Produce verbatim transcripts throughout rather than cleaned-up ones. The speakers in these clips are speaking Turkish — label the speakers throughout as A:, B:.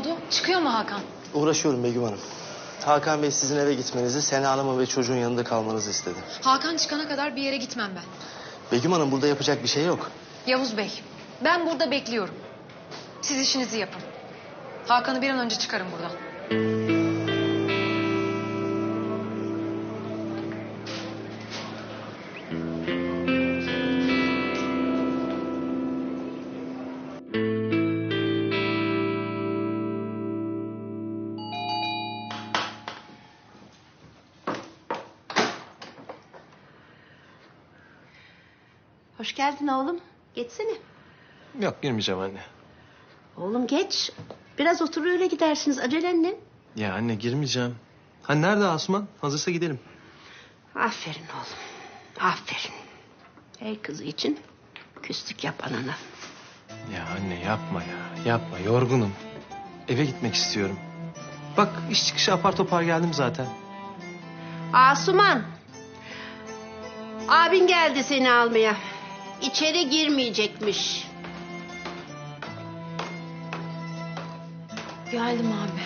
A: oldu? Çıkıyor mu Hakan?
B: Uğraşıyorum Begüm Hanım. Hakan Bey sizin eve gitmenizi, Sena Hanım'ın ve çocuğun yanında kalmanızı istedi.
A: Hakan çıkana kadar bir yere gitmem ben.
B: Begüm Hanım burada yapacak bir şey yok.
A: Yavuz Bey, ben burada bekliyorum. Siz işinizi yapın. Hakan'ı bir an önce çıkarın buradan.
C: Hoş geldin oğlum. Geçsene.
D: Yok girmeyeceğim anne.
C: Oğlum geç. Biraz otur öyle gidersiniz. Acelen ne?
D: Ya anne girmeyeceğim. Ha nerede Asuman? Hazırsa gidelim.
C: Aferin oğlum. Aferin. Her kızı için küslük yap anana.
D: Ya anne yapma ya. Yapma yorgunum. Eve gitmek istiyorum. Bak iş çıkışı apar topar geldim zaten.
C: Asuman. Abin geldi seni almaya. İçeri girmeyecekmiş.
A: Geldim abi.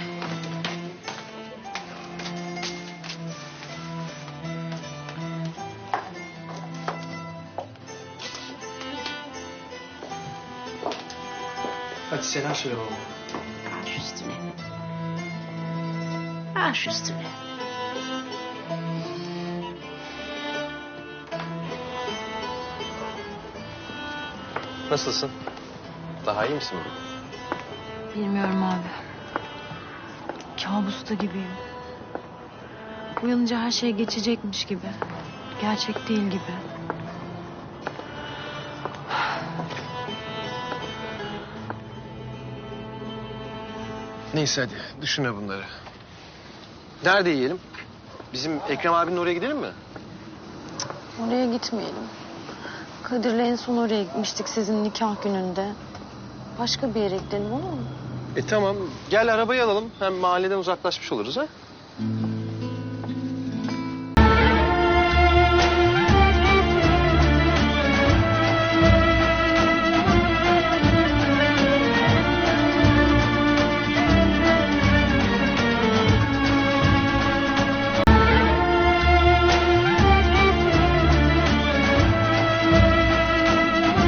D: Hadi selam söyle baba.
C: Baş üstüne. Baş üstüne.
D: Nasılsın? Daha iyi misin?
A: Bilmiyorum abi. Kabusta gibiyim. Uyanınca her şey geçecekmiş gibi. Gerçek değil gibi.
D: Neyse hadi düşünme bunları. Nerede yiyelim? Bizim Ekrem abinin oraya gidelim mi?
A: Oraya gitmeyelim. Kadir'le en son oraya gitmiştik sizin nikah gününde. Başka bir yere gidelim olur mu?
D: E tamam gel arabayı alalım. Hem mahalleden uzaklaşmış oluruz ha.